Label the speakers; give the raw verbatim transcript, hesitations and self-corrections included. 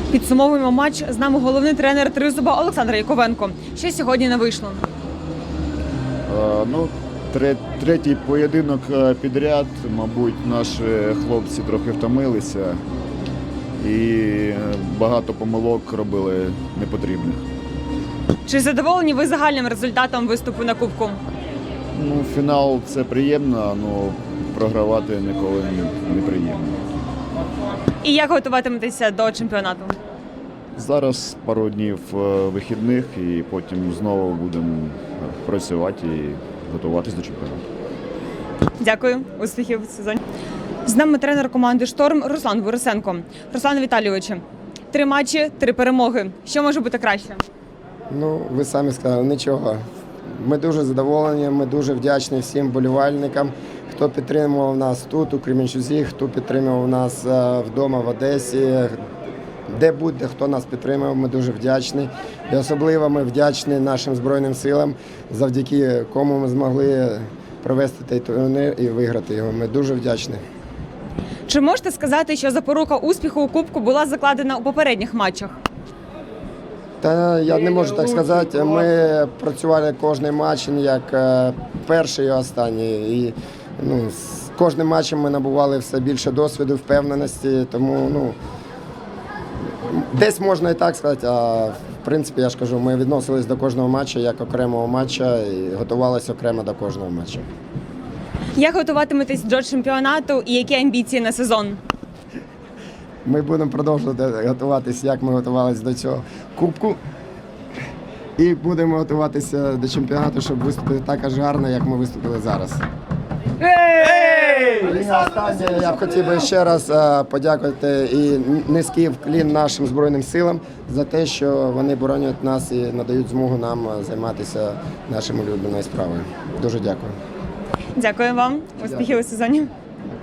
Speaker 1: Підсумовуємо матч. З нами головний тренер Тризуба Олександр Яковенко. Що сьогодні не вийшло?
Speaker 2: Е, Ну, тре- третій поєдинок е, підряд, мабуть, наші хлопці трохи втомилися і е, багато помилок робили непотрібних.
Speaker 1: Чи задоволені ви загальним результатом виступу на Кубку?
Speaker 2: Ну, фінал – це приємно, але програвати ніколи не- не приємно.
Speaker 1: І як готуватиметеся до чемпіонату?
Speaker 2: Зараз пару днів е, вихідних і потім знову будемо працювати і готуватись до чемпіонату.
Speaker 1: Дякую, успіхів в сезоні. З нами тренер команди «Шторм» Руслан Борисенко. Руслан Віталійович, три матчі, три перемоги. Що може бути краще?
Speaker 3: Ну, ви самі сказали, нічого. Ми дуже задоволені, ми дуже вдячні всім болівальникам, хто підтримував нас тут, у Кременчузі, хто підтримував нас е, вдома в Одесі, де будь-де хто нас підтримав, ми дуже вдячні. І особливо ми вдячні нашим Збройним силам, завдяки кому ми змогли провести цей турнір і виграти його. Ми дуже вдячні.
Speaker 1: Чи можете сказати, що запорука успіху у Кубку була закладена у попередніх матчах?
Speaker 3: Та я не можу так сказати. Ми працювали кожен матч як е, перший і останній. І ну, з кожним матчем ми набували все більше досвіду, впевненості. Тому ну, десь можна і так сказати, а в принципі, я ж кажу, ми відносились до кожного матчу як окремого матча і готувалися окремо до кожного матчу.
Speaker 1: Як готуватиметесь до чемпіонату і які амбіції на сезон?
Speaker 3: Ми будемо продовжувати готуватися, як ми готувалися до цього кубку. І будемо готуватися до чемпіонату, щоб виступити так ж гарно, як ми виступили зараз. І останнє, я б хотів би ще раз е, подякувати і низький вклін нашим Збройним силам за те, що вони боронять нас і надають змогу нам займатися нашими улюбленою справою. Дуже дякую.
Speaker 1: Дякую вам. Успіхів у сезоні.